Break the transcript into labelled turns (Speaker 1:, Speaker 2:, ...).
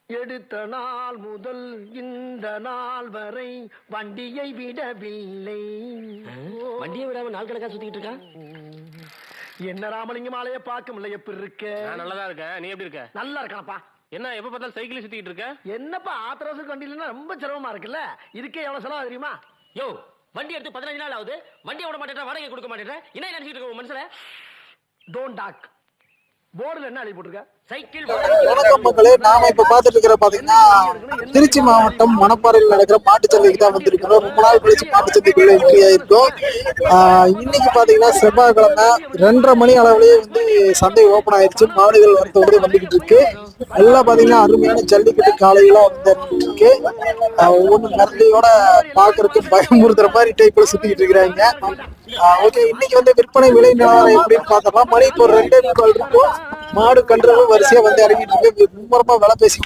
Speaker 1: எடுத்த நாள் முதல் இந்த நாள் வரை வண்டியை விடவில்லை.
Speaker 2: வண்டியை விடாம நாள் கணக்கா சுத்திட்டு இருக்கான்.
Speaker 1: என்ன ராமலிங்கம் ஆலைய பார்க்க முடியல. எப்படி இருக்க?
Speaker 3: நான் நல்லதா இருக்கேன். நீ எப்படி இருக்க?
Speaker 1: நல்லா இருக்கானப்பா.
Speaker 3: என்ன எப்ப பார்த்தாலும் சைக்கிள் சுத்திட்டு இருக்க?
Speaker 1: என்னப்பா ஆத்திரவசம் வண்டியில ரொம்ப சிரமமா இருக்குல்ல. இதுக்கே எவ்வளவு செலவு தெரியுமா?
Speaker 2: யோ, வண்டி எடுத்து 15 நாள் ஆகுது. வண்டியை விட மாட்டேன், வாடகை கொடுக்க மாட்டேன். என்ன நினைச்சிட்டு இருக்க மனுஷன?
Speaker 1: Don't talk. போர்டுல என்ன எழுதி போட்டிருக்க?
Speaker 2: சைக்கிள்.
Speaker 4: வணக்கம் மக்களே, நாம இப்ப பாத்துட்டு இருக்கிற பாத்தீங்கன்னா திருச்சி மாவட்டம் மணப்பாறையில் நடக்கிற மாட்டுச்சந்தைக்கு தான் வந்திருக்கிறோம். ரொம்ப நாள் கழிச்சு மாட்டுச்சந்தைக்குள்ள என்ட்ரி ஆயிருக்கோம். இன்னைக்கு பாத்தீங்கன்னா செவ்வாய்க்கிழமை 2:30 மணி அளவுலயே வந்து சந்தை ஓபன் ஆயிருச்சு. மாடுகள் வரத்தோடு வந்துகிட்டு இருக்கு. எல்லாம் பாத்தீங்கன்னா அருமையான ஜல்லிக்கட்டு காலையெல்லாம் வந்துட்டு இருக்கு. ஒவ்வொன்று மிரட்டையோட பாக்குறதுக்கு பயமுறுத்துற மாதிரி டைப்ல சுத்திக்கிட்டு இருக்கிறாங்க. ஓகே, இன்னைக்கு வந்து விற்பனை விலை நிலவரம் எப்படின்னு பார்த்தோம்னா மணி இப்போ 2:45 இருக்கும். மாடு கன்றுகள் வரிசையா வந்து இறங்கிட்டு இருக்கு. மும்முரமா விலை பேசி